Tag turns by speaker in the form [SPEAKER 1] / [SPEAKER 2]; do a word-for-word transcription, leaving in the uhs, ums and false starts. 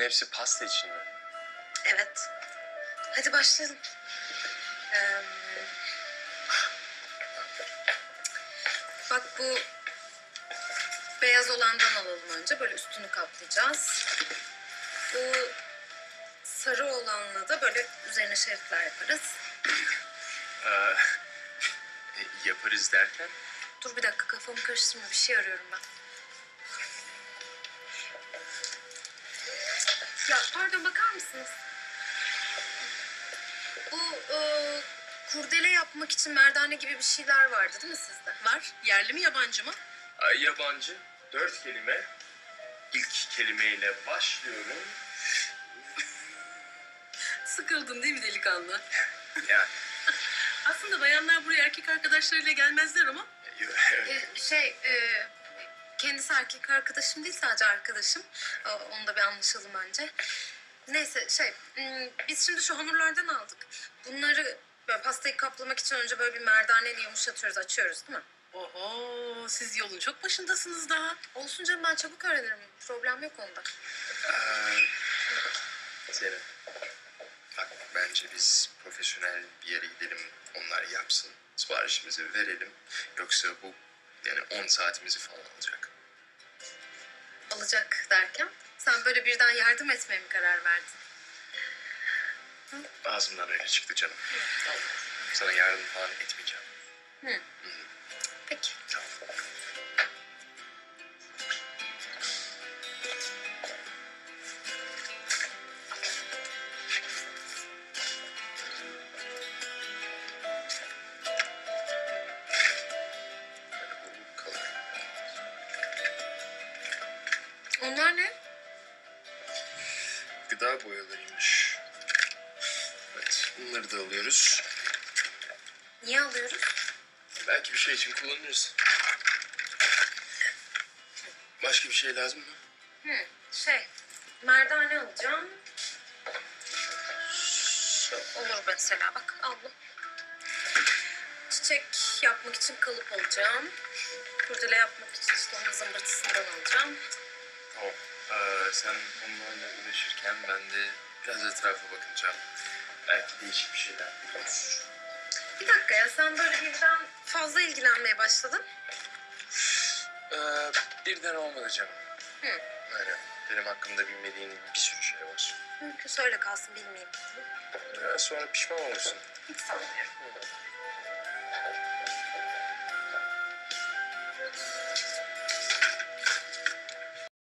[SPEAKER 1] hepsi pasta için mi?
[SPEAKER 2] Evet. Hadi başlayalım. Ee, bak bu beyaz olandan alalım önce. Böyle üstünü kaplayacağız. Bu sarı olanla da böyle üzerine şeritler yaparız.
[SPEAKER 1] Ee, e, yaparız derken?
[SPEAKER 2] Dur bir dakika, kafamı karıştırma. Bir şey arıyorum ben. Ya pardon, bakar mısınız? Bu e, kurdele yapmak için merdane gibi bir şeyler vardı değil mi sizde?
[SPEAKER 3] Var. Yerli mi yabancı mı?
[SPEAKER 1] Ay, yabancı. Dört kelime. İlk kelimeyle başlıyorum.
[SPEAKER 3] Sıkıldın değil mi delikanlı?
[SPEAKER 1] Yani.
[SPEAKER 3] Aslında bayanlar buraya erkek arkadaşlarıyla gelmezler ama
[SPEAKER 2] E, şey, e, kendisi erkek arkadaşım değil, sadece arkadaşım. E, onu da bir anlaşalım önce. Neyse şey, m, biz şimdi şu hamurlardan aldık. Bunları böyle pastayı kaplamak için önce böyle bir merdaneyle yumuşatıyoruz, açıyoruz değil mi?
[SPEAKER 3] oho, siz yolun çok başındasınız daha.
[SPEAKER 2] Olsun canım, ben çabuk öğrenirim. Problem yok onda.
[SPEAKER 1] Ee, Zeynep. Bak, bence biz profesyonel bir yere gidelim. Onlar yapsın. Siparişimizi verelim. Yoksa bu yani on saatimizi falan alacak.
[SPEAKER 2] Alacak derken sen böyle birden yardım etmeye mi karar verdin?
[SPEAKER 1] Ağzımdan öyle çıktı canım. Sana yardım falan etmeyeceğim.
[SPEAKER 2] Hı. Peki.
[SPEAKER 1] Tamam.
[SPEAKER 2] Onlar ne?
[SPEAKER 1] Gıda boyalarıymış. Evet, bunları da alıyoruz.
[SPEAKER 2] Niye alıyoruz?
[SPEAKER 1] Belki bir şey için kullanırız. Başka bir şey lazım mı?
[SPEAKER 2] Hı, şey, merdane alacağım. Şu olur mesela, bak aldım. Çiçek yapmak için kalıp alacağım. Kurdele yapmak için işte onun zımbırtısından alacağım.
[SPEAKER 1] Tamam. Ee, sen onlarla uğraşırken ben de biraz etrafa bakacağım. Belki değişik bir şeyler buluruz.
[SPEAKER 2] Bir dakika ya, sen böyle birden fazla ilgilenmeye başladın.
[SPEAKER 1] Ee, birden olmadı canım.
[SPEAKER 2] Hı.
[SPEAKER 1] Aynen. Benim hakkımda bilmediğin bir sürü şey var.
[SPEAKER 2] Mümkünse öyle kalsın, bilmeyeyim.
[SPEAKER 1] Ee, sonra pişman olursun.
[SPEAKER 2] Hiç sanmıyorum.